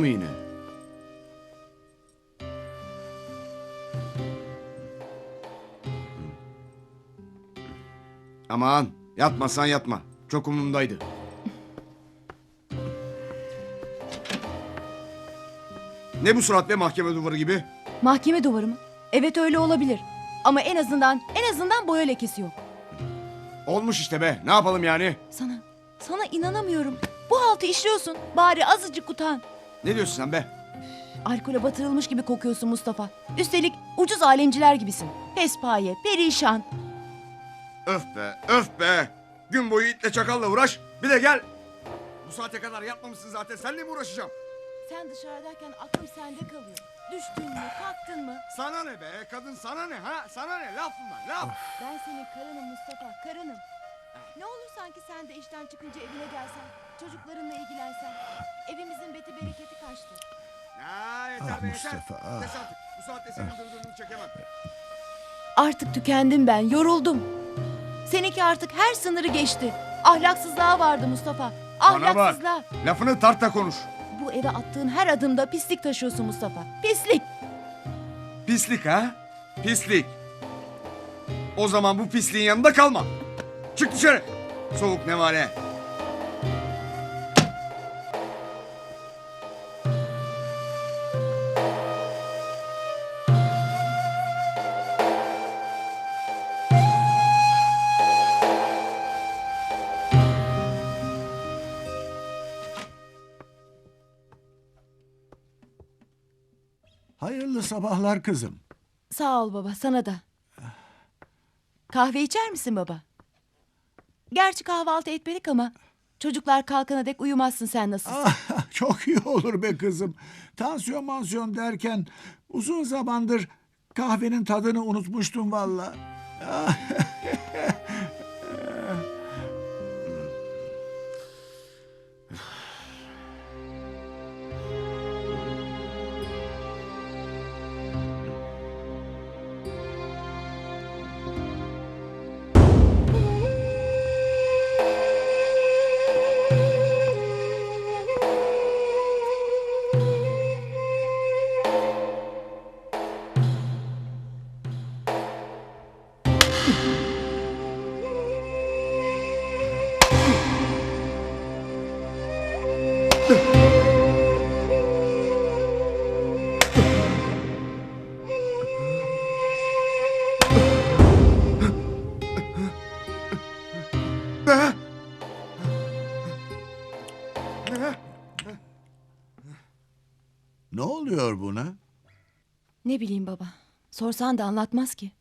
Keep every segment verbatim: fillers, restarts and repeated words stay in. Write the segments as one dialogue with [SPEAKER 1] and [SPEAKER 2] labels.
[SPEAKER 1] mu yine? Aman yatmasan yatma. Çok umurumdaydı. Ne bu surat be, mahkeme duvarı gibi?
[SPEAKER 2] Mahkeme duvarı mı? Evet, öyle olabilir. Ama en azından en azından boya lekesi yok.
[SPEAKER 1] Olmuş işte be. Ne yapalım yani?
[SPEAKER 2] Sana, sana inanamıyorum. Bu haltı işliyorsun. Bari azıcık utan.
[SPEAKER 1] Ne diyorsun sen be?
[SPEAKER 2] Alkole batırılmış gibi kokuyorsun Mustafa. Üstelik ucuz alemciler gibisin. Pespaye, perişan.
[SPEAKER 1] Öf be, öf be. Gün boyu itle çakalla uğraş. Bir de gel. Bu saate kadar yatmamışsın zaten. Seninle mi uğraşacağım?
[SPEAKER 2] Sen dışarıdayken aklım sende kalıyor. Düştün mü, kalktın mı?
[SPEAKER 1] Sana ne be? Kadın sana ne ha? Sana ne? Laf bunlar, laf.
[SPEAKER 2] Ben senin karınım Mustafa, karınım. Ne olur sanki sen de işten çıkınca evine gelsen, çocuklarınla ilgilensen. Evimizin beti bereketi kaçtı.
[SPEAKER 1] Ha, yeter
[SPEAKER 3] Ah
[SPEAKER 1] be,
[SPEAKER 3] Mustafa,
[SPEAKER 1] yeter.
[SPEAKER 3] ah.
[SPEAKER 1] Kes artık. Bu saatte senin dırdırını çekemem.
[SPEAKER 2] Artık tükendim ben, yoruldum. Seninki artık her sınırı geçti. Ahlaksızlığa vardı Mustafa.
[SPEAKER 1] Bana bak.
[SPEAKER 2] Ahlaksızlığa.
[SPEAKER 1] Lafını tart da konuş.
[SPEAKER 2] Bu eve attığın her adımda pislik taşıyorsun Mustafa. Pislik.
[SPEAKER 1] Pislik ha? Pislik. O zaman bu pisliğin yanında kalma. Çık dışarı. Soğuk nevale.
[SPEAKER 3] Hayırlı sabahlar kızım.
[SPEAKER 2] Sağ ol baba, sana da. Kahve içer misin baba? Gerçi kahvaltı etmedik ama çocuklar kalkana dek uyumazsın sen nasılsın.
[SPEAKER 3] Ah, çok iyi olur be kızım. Tansiyon mansiyon derken uzun zamandır kahvenin tadını unutmuştum valla. Ah,
[SPEAKER 1] Ne? Ne?
[SPEAKER 3] ne oluyor buna?
[SPEAKER 2] Ne bileyim baba, sorsan da anlatmaz ki.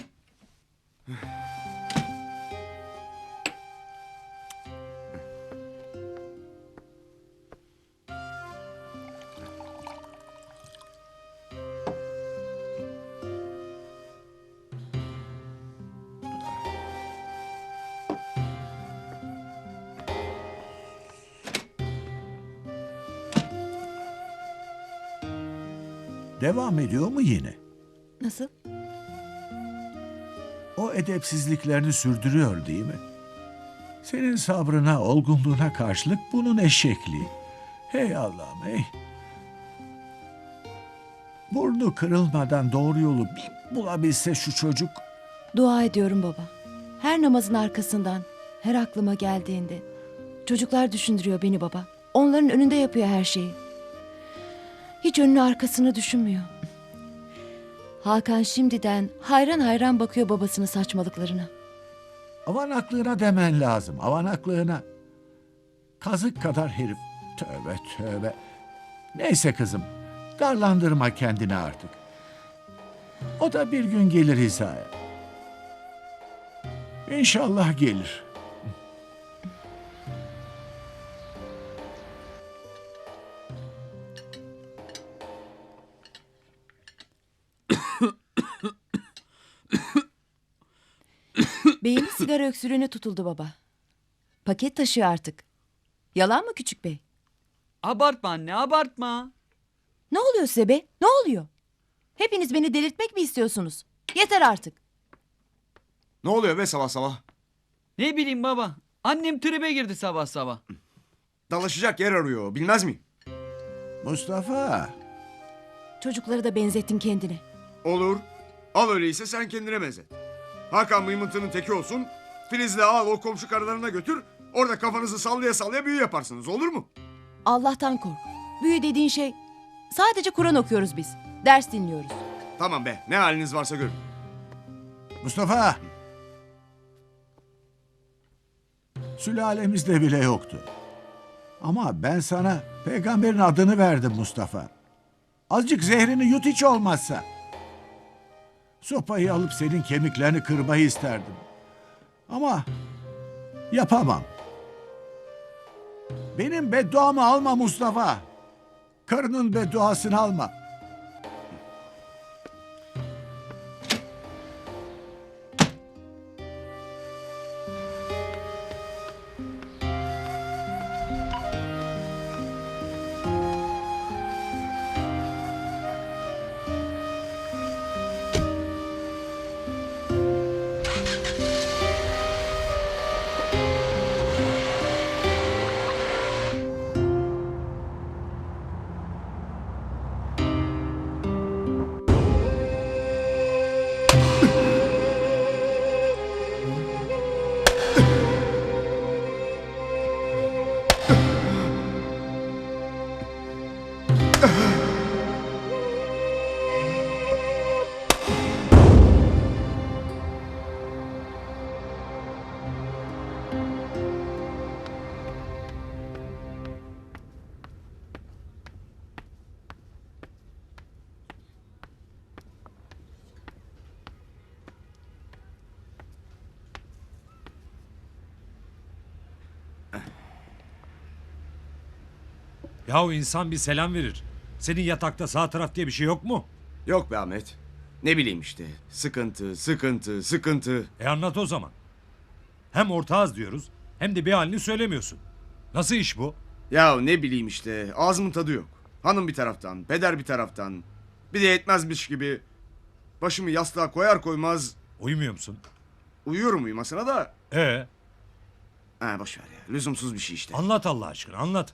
[SPEAKER 3] Devam ediyor mu yine?
[SPEAKER 2] Nasıl?
[SPEAKER 3] O edepsizliklerini sürdürüyor değil mi? Senin sabrına, olgunluğuna karşılık bunun eşekliği. Hey Allah'ım hey. Burnu kırılmadan doğru yolu bir bulabilse şu çocuk.
[SPEAKER 2] Dua ediyorum baba. Her namazın arkasından, her aklıma geldiğinde. Çocuklar düşündürüyor beni baba. Onların önünde yapıyor her şeyi. Hiç önünü arkasını düşünmüyor. Hakan şimdiden hayran hayran bakıyor babasının saçmalıklarına.
[SPEAKER 3] Avanaklığına demen lazım, avanaklığına. Kazık kadar herif. Tövbe tövbe. Neyse kızım, darlandırma kendini artık. O da bir gün gelir hizaya. İnşallah gelir.
[SPEAKER 2] Bey'in sigara öksürüğüne tutuldu baba. Paket taşıyor artık. Yalan mı küçük bey?
[SPEAKER 4] Abartma anne, abartma.
[SPEAKER 2] Ne oluyor size be? Ne oluyor? Hepiniz beni delirtmek mi istiyorsunuz? Yeter artık.
[SPEAKER 1] Ne oluyor be sabah sabah?
[SPEAKER 4] Ne bileyim baba. Annem tribe girdi sabah sabah.
[SPEAKER 1] Dalaşacak yer arıyor. Bilmez miyim?
[SPEAKER 3] Mustafa.
[SPEAKER 2] Çocukları da benzettin kendine.
[SPEAKER 1] Olur. Al öyleyse sen kendine benzet. Hakan mıymıntının teki olsun. Filiz'le al o komşu karılarına götür. Orada kafanızı sallaya sallaya büyü yaparsınız, olur mu?
[SPEAKER 2] Allah'tan kork. Büyü dediğin şey sadece Kur'an okuyoruz biz. Ders dinliyoruz.
[SPEAKER 1] Tamam be, ne haliniz varsa görün.
[SPEAKER 3] Mustafa. Sülalemizde bile yoktu. Ama ben sana peygamberin adını verdim Mustafa. Azıcık zehrini yut hiç olmazsa. Sopayı alıp senin kemiklerini kırmayı isterdim. Ama yapamam. Benim bedduamı alma Mustafa. Karının bedduasını alma.
[SPEAKER 5] Yahu insan bir selam verir. Senin yatakta sağ taraf diye bir şey yok mu?
[SPEAKER 1] Yok be Ahmet. Ne bileyim işte. Sıkıntı, sıkıntı, sıkıntı.
[SPEAKER 5] E anlat o zaman. Hem ortağız diyoruz hem de bir halini söylemiyorsun. Nasıl iş bu?
[SPEAKER 1] Ya ne bileyim işte. Ağzımın tadı yok. Hanım bir taraftan, peder bir taraftan. Bir de yetmezmiş gibi. Başımı yastığa koyar koymaz
[SPEAKER 5] Uyumuyor musun?
[SPEAKER 1] uyuyorum uyumasına da.
[SPEAKER 5] E
[SPEAKER 1] Ha boş ver ya. Lüzumsuz bir şey işte.
[SPEAKER 5] anlat Allah aşkına anlat.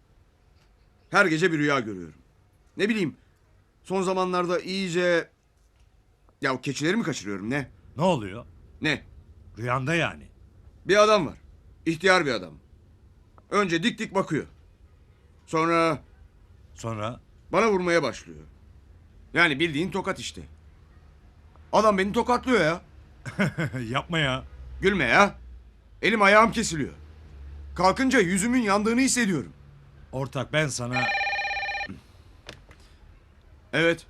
[SPEAKER 1] Her gece bir rüya görüyorum. Ne bileyim. Son zamanlarda iyice... Ya o keçileri mi kaçırıyorum ne?
[SPEAKER 5] Ne oluyor?
[SPEAKER 1] Ne?
[SPEAKER 5] Rüyanda yani.
[SPEAKER 1] Bir adam var. İhtiyar bir adam. Önce dik dik bakıyor. Sonra
[SPEAKER 5] Sonra
[SPEAKER 1] bana vurmaya başlıyor. Yani bildiğin tokat işte. Adam beni tokatlıyor ya.
[SPEAKER 5] yapma ya.
[SPEAKER 1] Gülme ya. Elim ayağım kesiliyor. Kalkınca yüzümün yandığını hissediyorum.
[SPEAKER 5] Ortak ben sana...
[SPEAKER 1] Evet.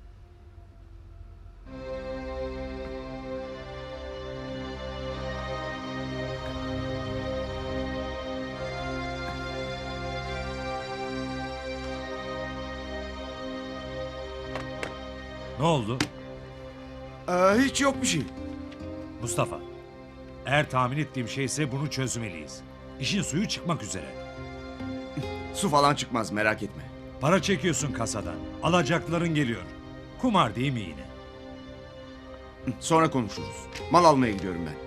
[SPEAKER 5] Ne oldu?
[SPEAKER 1] Ee, hiç yok bir şey.
[SPEAKER 5] Mustafa. Eğer tahmin ettiğim şeyse bunu çözmeliyiz. İşin suyu çıkmak üzere.
[SPEAKER 1] Su falan çıkmaz merak etme.
[SPEAKER 5] Para çekiyorsun kasadan. Alacakların geliyor. Kumar değil mi yine?
[SPEAKER 1] Sonra konuşuruz. Mal almaya gidiyorum ben.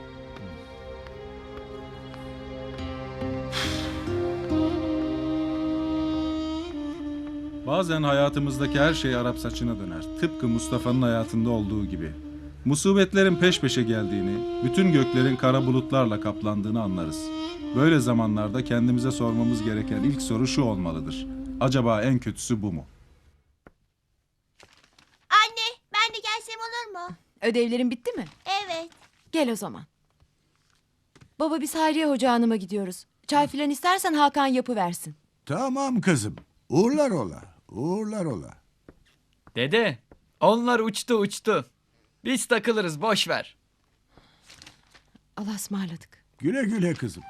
[SPEAKER 6] Bazen hayatımızdaki her şey Arap saçına döner. Tıpkı Mustafa'nın hayatında olduğu gibi. Musibetlerin peş peşe geldiğini, bütün göklerin kara bulutlarla kaplandığını anlarız. Böyle zamanlarda kendimize sormamız gereken ilk soru şu olmalıdır. Acaba en kötüsü bu mu?
[SPEAKER 7] Anne, ben de gelsem olur mu?
[SPEAKER 2] Ödevlerin bitti mi?
[SPEAKER 7] Evet.
[SPEAKER 2] Gel o zaman. Baba biz Hayriye Hoca Hanım'a gidiyoruz. Çay filan istersen Hakan yapıversin.
[SPEAKER 3] Tamam kızım. Uğurlar ola. Uğurlar ola.
[SPEAKER 4] Dede, onlar uçtu uçtu. Biz takılırız boş ver.
[SPEAKER 2] Allah'a ısmarladık.
[SPEAKER 3] Güle güle kızım.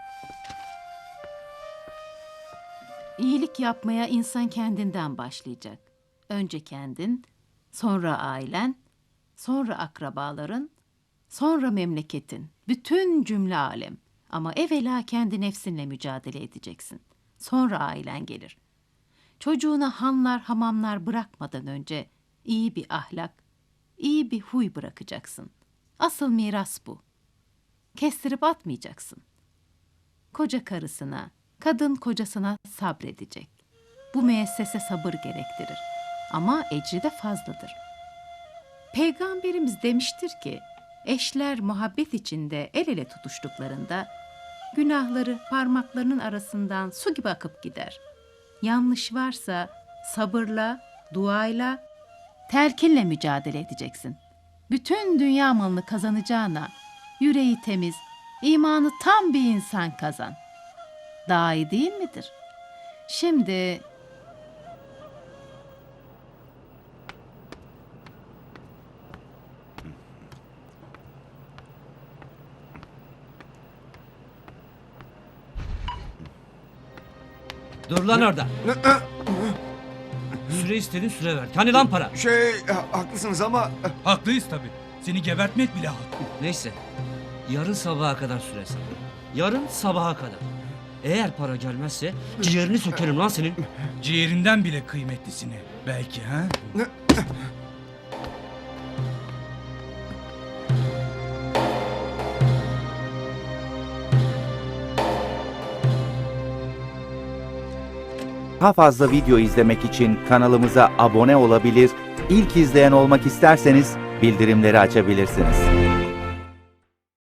[SPEAKER 8] İyilik yapmaya insan kendinden başlayacak. Önce kendin, sonra ailen, sonra akrabaların, sonra memleketin, bütün cümle alem. Ama evvela kendi nefsinle mücadele edeceksin. Sonra ailen gelir. Çocuğuna hanlar hamamlar bırakmadan önce iyi bir ahlak, iyi bir huy bırakacaksın. Asıl miras bu. Kestirip atmayacaksın. Koca karısına, kadın kocasına sabredecek. Bu müessese sabır gerektirir. Ama ecri de fazladır. Peygamberimiz demiştir ki, eşler muhabbet içinde el ele tutuştuklarında, günahları parmaklarının arasından su gibi akıp gider. Yanlış varsa sabırla, duayla, telkinle mücadele edeceksin. Bütün dünya malını kazanacağına, yüreği temiz, imanı tam bir insan kazan. Daha iyi değil midir? Şimdi
[SPEAKER 9] Dur lan orada. Süre istedin, süre ver. Hani lan para?
[SPEAKER 1] Şey e, haklısınız ama e,
[SPEAKER 10] Haklıyız tabii. Seni gebertmek bile hak.
[SPEAKER 9] Neyse. Yarın sabaha kadar süre sağ. Yarın sabaha kadar. Eğer para gelmezse ciğerini sökerim lan senin.
[SPEAKER 10] Ciğerinden bile kıymetlisini. Belki ha?
[SPEAKER 11] Daha fazla video izlemek için kanalımıza abone olabilir, ilk izleyen olmak isterseniz bildirimleri açabilirsiniz.